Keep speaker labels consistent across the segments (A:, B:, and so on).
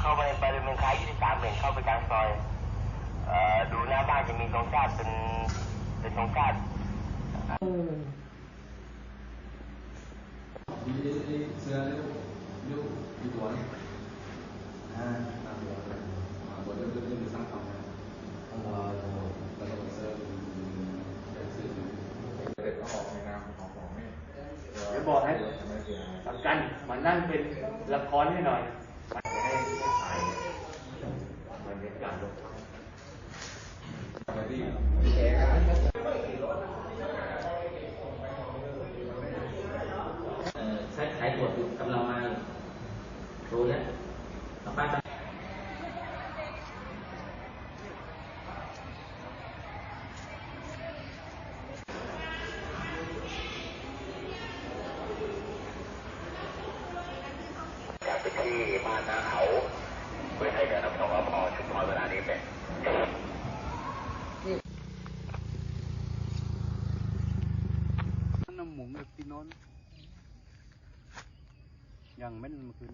A: เข้าไปบริเวณคล้าย23เห็นเข้าไปกลางซอยดูหน้าบ้านจะมีธงชาติเป็นธงชาติ
B: เสื้อเลี้ยวกี่ตัวนี่5 ตัวตัวเดิมสร้างความนะแล้วก็เสื้อเด็กก็ออกในนามของแม่
A: เดี๋ยวบอกให้สำคัญมานั่งเป็นละครให้หน่อยให้ถ่ายมันเป็นการลง
C: ใช้ขายตรวจกำลังมาดูเนี่ยป้า
A: จากไปที่บ้านนาเขาเพื่อให้การนำส่งอพชุมพรเวลานี้เป็น
D: น้ำหมูแบบที่นอนยังไม่เมื่อคืน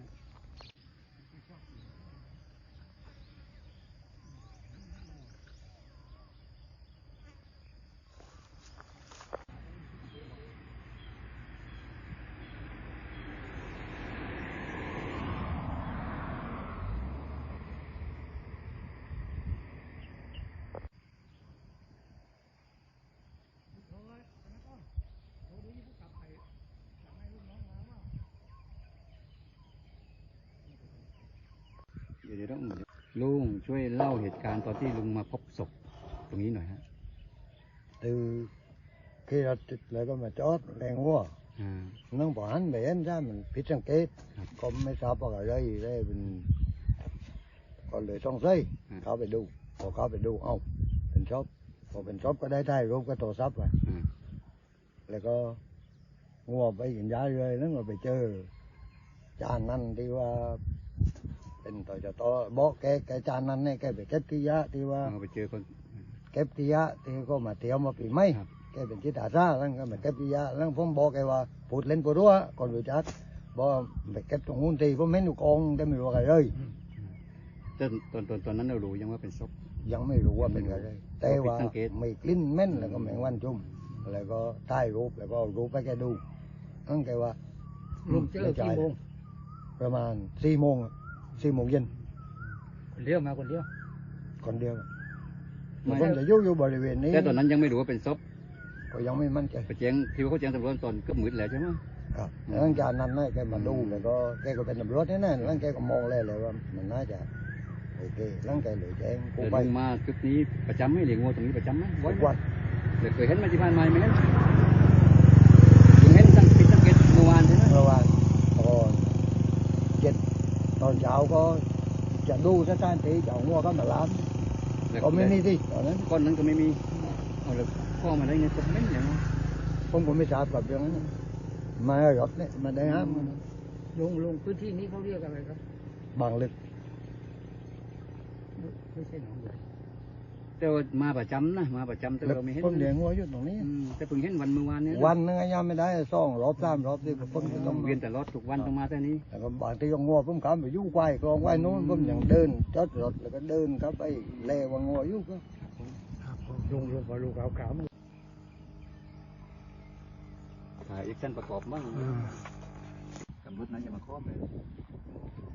D: เดี๋ยวต้องลุงช่วยเล่าเหตุการณ์ตอนที่ลุงมาพบศพตรงนี้หน่อยฮะ
E: từ khi ra lại có mà chót đèn hoa nó bỏ hắn về em ra mình phía trong kết còn mấy sao vào đây mình còn để trong dâyเขาไปดูพอเขาไปดูเอ้าเป็นช็อปพอเป็นช็อปก็ได้ถ่ายรูปก็โทรศัพท์ไปแล้วก็งัวไปกินยาเลยแล้วก็ไปเจอจานนั้นที่ว่าเป็นต่อจะต่อบอกแกจานนั้นเนี่ยแกไปเก็บที่ยะที่ว่า
D: ไปเจอคน
E: เก็บที่ยะที่ก็มาเที่ยวมาปีใหม่แกเป็นจิตอาสาแล้วก็มาเก็บที่ยะแล้วผมบอกแกว่าพูดเล่นพูดรัวก่อนรู้จักบอกไปเก็บตรงนู้นทีผมเห็นอยู่กองแต่ไม่รู้อะไรเลย
D: ตอนนั้นเรารู้ยังว่าเป็นศพ
E: ยังไม่รู้ว่าเป็นอะไรแต่ว่าไม่กลิ่นเหม็นแล้วก็แมงวันจุ่มแล้วก็ถ่ายรูปแล้วก็รูปไปแกดูนั่นแกว่า
D: ลุงเจอกี่โมง
E: ประมาณ4 โมงเย็น
D: คนเดียวมาคนเดียว
E: ผมจะอยู่บริเวณนี้
D: แต่ตอนนั้นยังไม่รู้ว่าเป็นศพ
E: ก็ยังไม่มั่นใจ
D: ไปแจ้งที่เขาแจ้งตำรวจตอนก็มืดแล้วใช่ไหม
E: ครับหลังจากนั้นแกมาดูแล้วก็แกก็เป็นตำรวจนี่นะแล้วแกก็มองเลยว่ามันน่าจะโอเคแล้วแกเลยแจ้ง
D: กูไปมาจุดนี้ประจำไหมเลี้ยงวัวตรงนี้ประจำไหม
E: ทุกวัน
D: เคยเห็นมาที่บ้านไหมไหมเห็นสังเกตเมื่อวานใช่ไหม
E: เมื่อวานตอนเช้าก็จะดูสถานที่จะงัวก็มาล้างก็ไม่มีที่ตอนนั้น
D: คนนั้นก็ไม่มีเอาเลยพ่อมาได้เงินก็ไม่อย่างนั้น
E: ผมก็ไม่ทราบกับเรื่องนั้นมารถเนี่ยมาได้ห้าม
D: ลงพื้นที่นี้เขาเรียกอะไรครับ
E: บางลึก
D: ไม่ใช่หนองใหญ่แต่มาประจำนะมาประจำแต่เราไม่เห็น
E: ผมเลี้ยงงัวอยู่ตรงนี้
D: แต่เพิ่งเห็นวันเมื่อวานนี้
E: วันนึงยังไม่ได้2 รอบ 3 รอบที่ผม
D: ต้องเวียนแต่รถทุกวันต้องมาแต่นี้
E: แต่ก็บางทีก็งัวผมขับไปยุ่งไกวกลองไว้นู้นผมยังเดินจอดรถแล้วก็เดินเข้าไปเล่ว่างัวยุ่งก็
D: ลงพอลูกขาวถ่ายอีกชั้นประกอบบ้างตำรวจนั้นจะมาครอบเลย